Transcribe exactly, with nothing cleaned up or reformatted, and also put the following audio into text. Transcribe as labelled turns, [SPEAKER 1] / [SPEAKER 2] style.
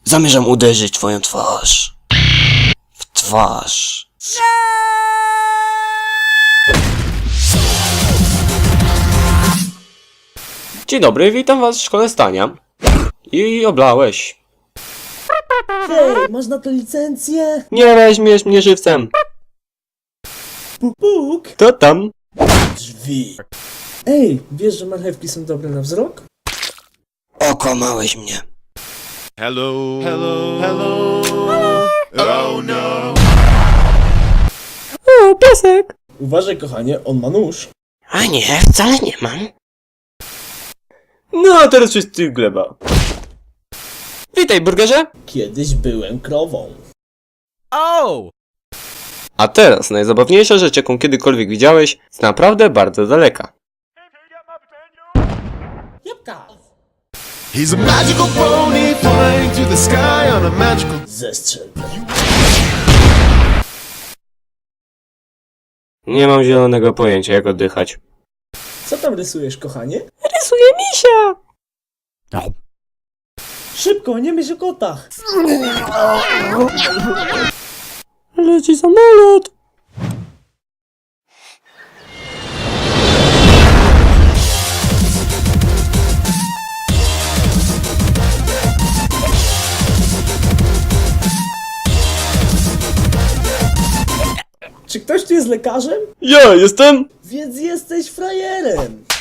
[SPEAKER 1] Zamierzam uderzyć twoją twarz. W twarz. Dzień dobry, witam was w szkole stania. I oblałeś.
[SPEAKER 2] Hej, masz na to licencję?
[SPEAKER 1] Nie weźmiesz mnie żywcem.
[SPEAKER 2] Puk, puk.
[SPEAKER 1] Kto tam?
[SPEAKER 2] Drzwi. Ej, wiesz, że marchewki są dobre na wzrok?
[SPEAKER 1] Okłamałeś mnie.
[SPEAKER 3] Hello. Hello. Hello. Oh no.
[SPEAKER 1] O, piesek.
[SPEAKER 2] Uważaj, kochanie, on ma nóż.
[SPEAKER 1] A nie, wcale nie mam. No, a teraz wszyscy gleba. Witaj, burgerze.
[SPEAKER 2] Kiedyś byłem krową.
[SPEAKER 1] A teraz najzabawniejsza rzecz, jaką kiedykolwiek widziałeś, jest naprawdę bardzo daleka.
[SPEAKER 2] Jabłka.
[SPEAKER 3] He's a magical pony flying through the sky on a magical.
[SPEAKER 2] Zestrzel.
[SPEAKER 1] Nie mam zielonego pojęcia, jak oddychać.
[SPEAKER 2] Co tam rysujesz, kochanie?
[SPEAKER 1] Rysuję misia!
[SPEAKER 2] Szybko, nie myśl o kotach.
[SPEAKER 1] Leci samolot!
[SPEAKER 2] Czy ktoś tu jest lekarzem?
[SPEAKER 1] Ja jestem!
[SPEAKER 2] Więc jesteś frajerem.